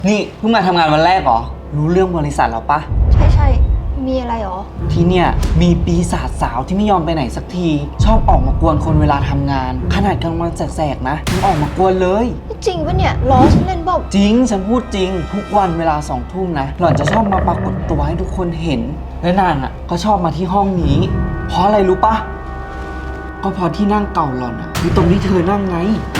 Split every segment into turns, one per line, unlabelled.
นี่เพิ่งมาทำงานวันแรกเหรอ รู้เรื่องบริษัทเราปะ
ใช่ มีอะไรหรอ
ที่เนี่ยมีปีศาจสาวที่ไม่ยอมไปไหนสักที ชอบออกมากวนคนเวลาทำงาน ขนาดกลางวันแสกๆนะยังออกมากวนเลย
จริงปะเนี่ยล้อฉันเล่นบอก
จริงฉันพูดจริง ทุกวันเวลา2 ทุ่มนะหล่อนจะชอบมาปรากฏตัวให้ทุกคนเห็น และนางอ่ะก็ชอบมาที่ห้องนี้ เพราะอะไรรู้ปะก็เพราะที่นั่งเก่าหล่อนอ่ะคือตรงที่เธอนั่งไง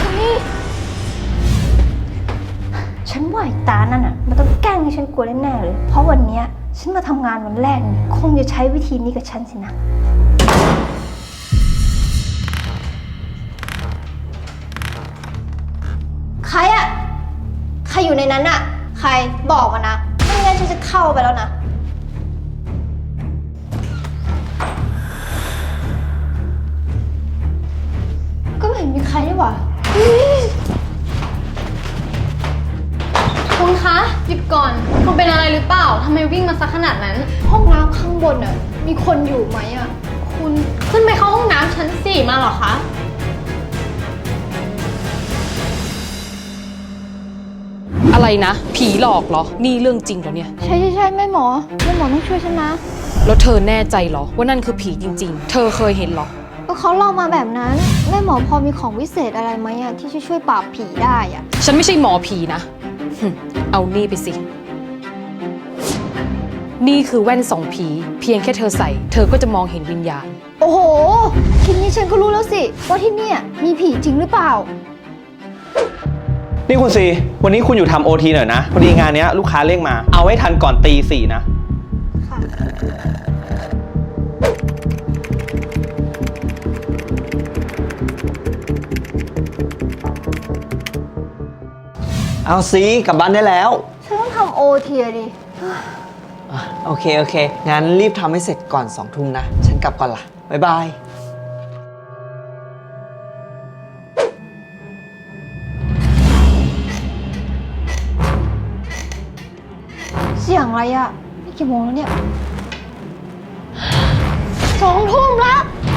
ฉันว่าไอ้ตานั่นอ่ะมันต้องแกล้งให้ฉันกลัวแน่ๆเลย เพราะวันเนี้ยฉันมาทำงานวันแรกนี่คงจะใช้วิธีนี้กับฉันสินะ ใครอะใครอยู่ในนั้นอะใครบอกมานะไม่งั้นฉันจะเข้าไปแล้วนะ ก็ไม่เห็นมีใครนี่หว่าอุ๊ย
คุณคะหยุดก่อนคุณเป็นอะไรหรือเปล่าทำไมวิ่งมาซักขนาดนั้น
ห้องน้ำข้างบนอะมีคนอยู่ไหมอะ
คุณขึ้นไปเข้าห้องน้ำชั้น 4มาเหรอคะ
อะไรนะ ผีหลอกเหรอ นี่เรื่องจริงเหรอเนี่ย
ใช่แม่หมอต้องช่วยฉันนะ
แล้วเธอแน่ใจเหรอว่านั่นคือผีจริงๆ เธอเคยเห็นเหรอ
ก็เขาเล่ามาแบบนั้นแม่หมอพอมีของวิเศษอะไรไหมอะที่จะช่วยปราบผีได้อะ
ฉันไม่ใช่หมอผีนะเอานี่ไปสิ นี่คือแว่นส่องผี เพียงแค่เธอใส่ เธอก็จะมองเห็นวิญญาณ
โอ้โหทีนี้ฉันก็รู้แล้วสิว่าที่เนี่ยมีผีจริงหรือเปล่า
นี่คุณซีวันนี้คุณอยู่ทำโอทีหน่อยนะ พอดีงานเนี้ยลูกค้าเร่งมา เอาให้ทันก่อนตี 4นะ
ค่ะ
เอาซีกลับบ้านได้แล้ว
ฉันต้องทำโอทีดิ
โอเคงั้นรีบทำให้เสร็จก่อน2 ทุ่มนะ ฉันกลับก่อนละบ๊ายบาย
เสียงอะไรอะนี่กี่โมงแล้วเนี่ย2 ทุ่มแล้ว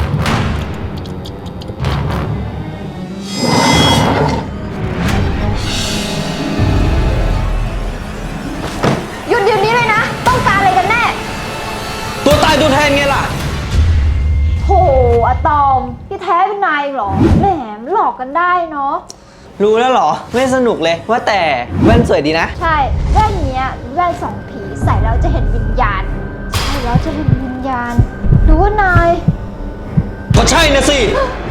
หยุดเดี๋ยวนี้เลยนะ ต้องการอะไรกันแน่
ตัวตายตัวแทนไงล่ะ
โหอะตอมที่แท้เป็นนายเหรอ แหมหลอกกันได้เนาะ
รู้แล้วเหรอ ไม่สนุกเลยว่าแต่แว่นสวยดีนะ
ใช่แว่นเนี้ยแว่นสองผีใส่แล้วจะเห็นวิญญาณ ใช่แล้วจะเห็นวิญญาณหรือว่านาย
ก็ใช่นะสิ
เ